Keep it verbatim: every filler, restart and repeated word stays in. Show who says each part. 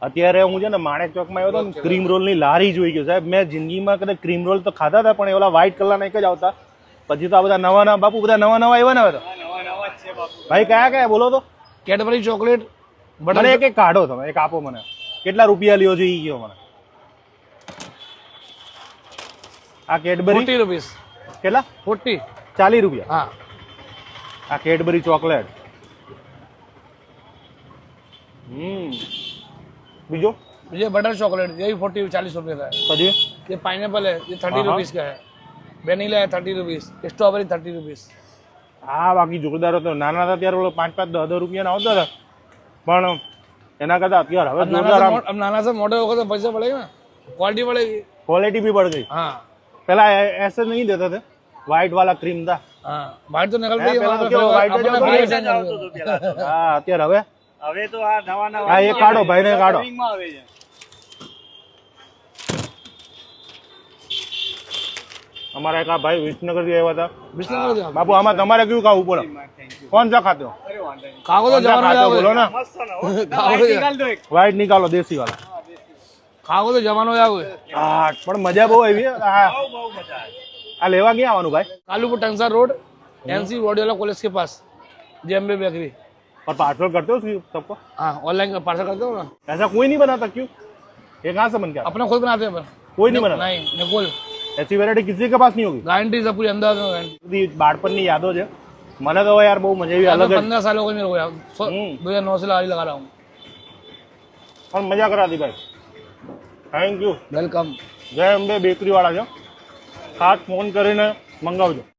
Speaker 1: અત્યારે હું છે ને માણેક ચોકમાં આવ્યો હતો ને ક્રીમ રોલ ની લારી જોઈ ગયો સાહેબ. મેં જિંદગીમાં કદાચ ક્રીમ રોલ તો ખાધા હતા પણ એ ઓલા વ્હાઈટ કલરના એક જ આવતા. પછી તો આ બધા નવા નવા બાપુ બધા નવા નવા આવ્યા ને હવે તો ભાઈ કયા કયા બોલો તો.
Speaker 2: કેડબરી ચોકલેટ
Speaker 1: મને એક એક કાઢો તમે, એક આપો મને. કેટલા રૂપિયા લ્યો છો ઈ કયો મને. આ કેડબરી
Speaker 2: ફોર્ટી રૂપીસ.
Speaker 1: કેટલા?
Speaker 2: ફોર્ટી.
Speaker 1: ચાલીસ રૂપિયા.
Speaker 2: હા.
Speaker 1: આ કેડબરી ચોકલેટ. હમ બીજો
Speaker 2: ये बटर चॉकलेट ये भी फोर्टी चालीस रुपये का है।
Speaker 1: પછી
Speaker 2: ये पाइनएप्पल है ये थर्टी रुपीज का है। वेनिला है thirty rupees. Strawberry thirty rupees.
Speaker 1: હા બાકી જોરદાર હતો. નાના હતા ત્યારે ઓલો પાંચ પાંચ દસ દસ રૂપિયાના આવતા હતા પણ એના કરતા અત્યારે હવે જોરદાર.
Speaker 2: अब नाना से मोटे होगा तो पैसे बढ़ेगा ना, क्वालिटी बढ़ेगी,
Speaker 1: क्वालिटी भी बढ़ गई.
Speaker 2: हाँ
Speaker 1: पहला ऐसे नहीं देते थे, व्हाइट वाला क्रीम था.
Speaker 2: हाँ व्हाइट तो निकल गई
Speaker 1: पहला तो क्या व्हाइट हाँ અત્યારે હવે
Speaker 3: હવે તો આ નવા નવા
Speaker 1: હા એ કાઢો ભાઈ ને કાઢો.
Speaker 3: આવે છે.
Speaker 1: અમારા એક આ ભાઈ વિસનગર થી આવ્યા હતા.
Speaker 2: विष्णु
Speaker 1: બાપુ આમાં તમારે કયું ખાવું બોલો? કોણ सा खाते हो?
Speaker 2: खाओ तो जवान हो
Speaker 1: खाते हो बोलो
Speaker 2: जाओगे,
Speaker 1: ना.
Speaker 3: મસ્ત ને હો. White નિકાલ દો એક.
Speaker 1: व्हाइट निकालो देसी वाला.
Speaker 2: खाओ तो जवान हो जाओगे।
Speaker 1: હા પણ મજા બહુ આવી. હા
Speaker 3: બહુ બહુ મજા આવે.
Speaker 1: આ લેવા ક્યાં આવવાનું ભાઈ?
Speaker 2: कालूपुर टंगसा रोड एनसी वाडियाला कॉलेज के पास जेएमबी बेकरी।
Speaker 1: और पार्सल करते हो सबको?
Speaker 2: हाँ ऑनलाइन पार्सल करते हो ना।
Speaker 1: ऐसा कोई नहीं बनाता क्यों? ये कहाँ से बन गया?
Speaker 2: अपने खुद बनाते हैं अपन।
Speaker 1: कोई नहीं बनाता.
Speaker 2: नहीं निकोल
Speaker 1: ऐसी वेरायटी किसी के पास नहीं होगी.
Speaker 2: गारंटी से पूरी अंदाज में गारंटी।
Speaker 1: બધી બાળપણની યાદો છે. મને તો યાર બહુ મજા આવી. અલગ જ
Speaker 2: पंद्रह साल हो गए मेरे को यार,
Speaker 1: हम्म।
Speaker 2: दो हजार नौ से लारी लगा रहा हूँ।
Speaker 1: પણ મજા કરાતી ભાઈ. Thank you.
Speaker 2: Welcome.
Speaker 1: Jai Ambe bakery વાળા છે, ખાસ ફોન કરીને મંગાવજો.